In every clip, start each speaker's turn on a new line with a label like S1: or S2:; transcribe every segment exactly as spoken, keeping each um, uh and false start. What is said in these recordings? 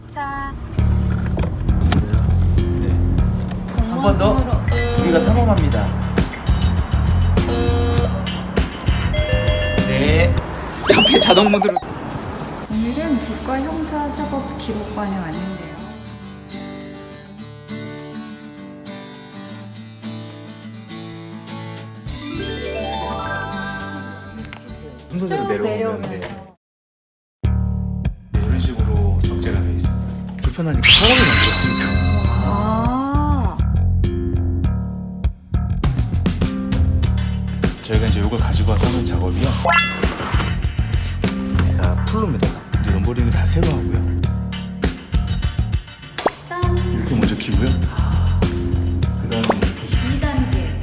S1: 자,
S2: 네. 한 번 더 우리가 사범합니다. 네. 옆에 자동 모드로.
S1: 오늘은 국가 형사 사법 기록관에 왔는데요.
S2: 순서대로
S1: 쭉
S2: 내려오면 돼.
S1: 내려오면서
S2: 이런 식으로 적재가 되어 있습니다. 불편하니까 사람을 만들었습니다.
S1: 아,
S2: 저희가 이제 이걸 가지고 와서 하는 작업이요. 다 풀로입니다. 이제 넘버링을 다 새로 하고요.
S1: 짠!
S2: 이렇게 먼저 키고요. 그다음에
S1: 이 단계.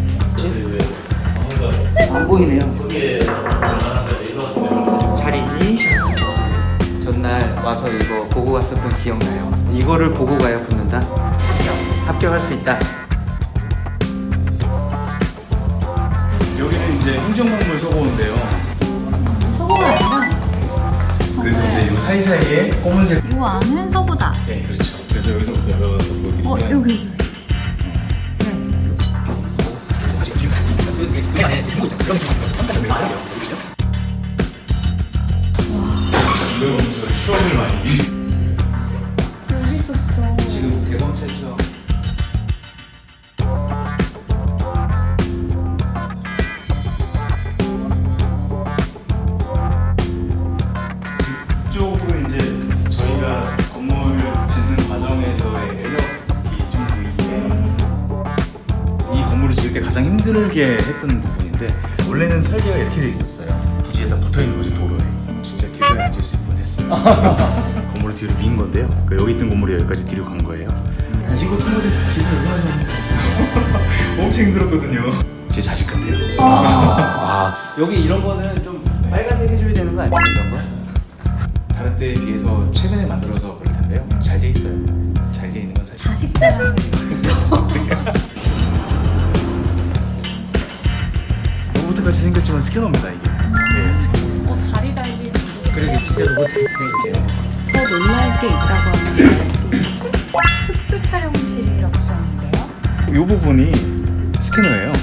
S2: 안 보이네요. 잘 있니? 전날 와서 이거 보고 갔었던 기억나요? 이거를 보고 가야 붙는다? 합격! 합격할 수 있다. 여기는 이제 행정건물 서고인데요.
S1: 서고가 아니라
S2: 그래서 이제 이 사이사이에 검은색.
S1: 이 안은 서고다.
S2: 네, 그렇죠. 그래서 여기서부터 열어서 보여드리면.
S1: 어, 여기 여기. 네.
S2: 이걸 보면서 추억을 많이.
S1: 여기 있었어.
S2: 지금 대검 찰죠. 이쪽으로 이제 저희가 건물 짓는 과정에서의 매력이 좀 보이는데, 이 건물을 지을 때 가장 힘들게 했던 부분인데, 원래는 설계가 이렇게 돼 있었어요. 부지에다 붙어 있는 거지, 도로에. 진짜 길가에 앉을 수 있긴 했습니다. 건물을 뒤로 민 건데요. 그러니까 여기 있던 건물이 여기까지 뒤로 간 거예요. 이거 통모데스트 길가 올라가면 엄청 힘들었거든요. 제 자식 같아요. 아, 여기 이런 거는 좀 빨간색 해줘야 되는 거 아니에요? 이런 거? 다른 때에 비해서 최근에 만들어서 그럴 텐데요. 잘 돼 있어요. 잘 돼 있는 건 사실.
S1: 자식 자랑을.
S2: 로봇 같이 생겼지만 스캐너입니다 이게. 네, 스캐너.
S1: 어, 다리 달린.
S2: 그러게 진짜 로봇 같이 생겼대요.
S1: 더 놀랄 게 있다고 하는데 특수 촬영실이라고 써있는데요.
S2: 이 부분이 스캐너예요.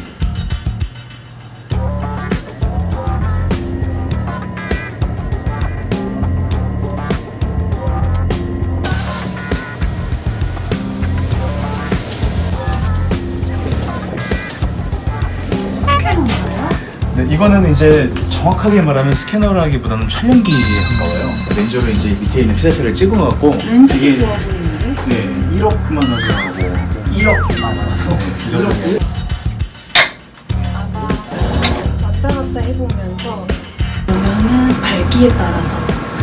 S1: 스캐너인가요?
S2: 네, 이거는 이제 정확하게 말하면 스캐너라기보다는 촬영기에 가까워요. 렌즈로 이제 밑에 있는 피사체를 찍어갖고
S1: 렌즈도
S2: 이게
S1: 좋아 보이는데?
S2: 네 일억만 와서 하고 일억만 와서 일억.
S1: 아마 왔다 갔다 해보면서 보면은 밝기에 따라서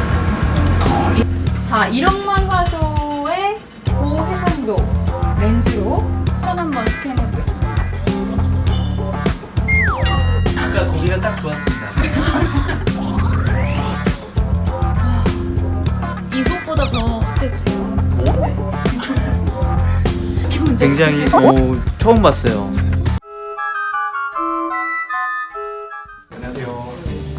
S1: 자 일억만 화소의 고해상도 렌즈로 손 한번 스캔해보겠습니다.
S2: 아까 거기가 딱 좋았습니다.
S1: 이것보다 더 확대돼요.
S2: 굉장히 오, 처음 봤어요. 안녕하세요.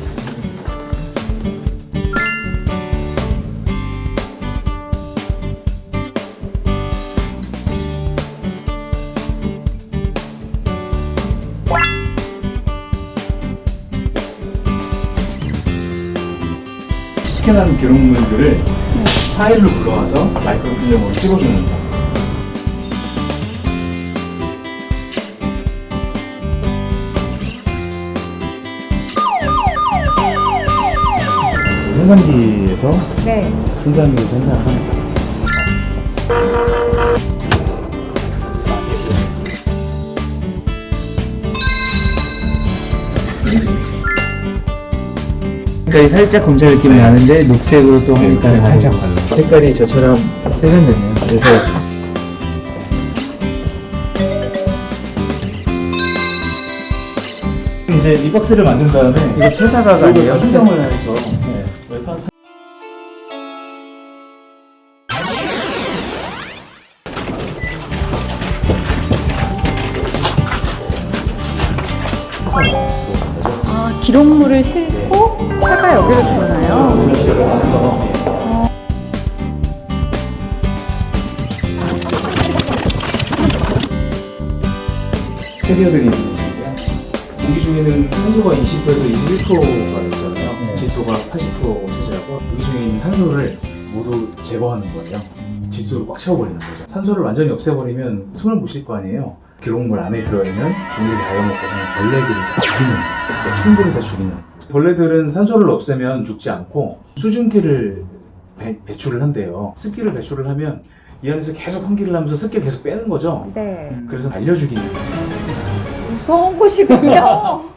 S2: 스캔한 기록물들을 파일로 불러와서 마이크로 필름으로 찍어주는 거. 현상기에서
S1: 네.
S2: 현상기에서 현상을 합니다.
S3: 색깔이 살짝 검찰 느낌이 나는데 녹색으로 또
S2: 네,
S3: 약간
S2: 살짝
S3: 나고.
S2: 발라.
S3: 색깔이 저처럼 세련되네요. 그래서
S2: 이제 이 박스를 만든 다음에
S3: 이거 퇴사가가 아니에요?
S2: 형성을 해서 네, 웹판
S1: 아 기록물을 싣고 차가 여기로 들어오나요?
S2: 올려서
S4: 캐리어들이 있는 건데요. 공기 중에는 산소가 이십 퍼센트에서 이십일 퍼센트가 있잖아요. 질소가 팔십 퍼센트 차지하고 공기 중에 있는 산소를 모두 제거하는 거예요. 질소를 꽉 채워버리는 거죠. 산소를 완전히 없애버리면 숨을 못 쉴 거 아니에요. 기록물 안에 들어있는 종들이 달라먹고 하는 벌레들을 다 죽이는, 그러니까 충분히 다 죽이는. 벌레들은 산소를 없애면 죽지 않고 수증기를 배, 배출을 한대요. 습기를 배출을 하면 이 안에서 계속 환기를 하면서 습기를 계속 빼는 거죠.
S1: 네.
S4: 그래서 알려주기는
S1: 무서운 곳이군요.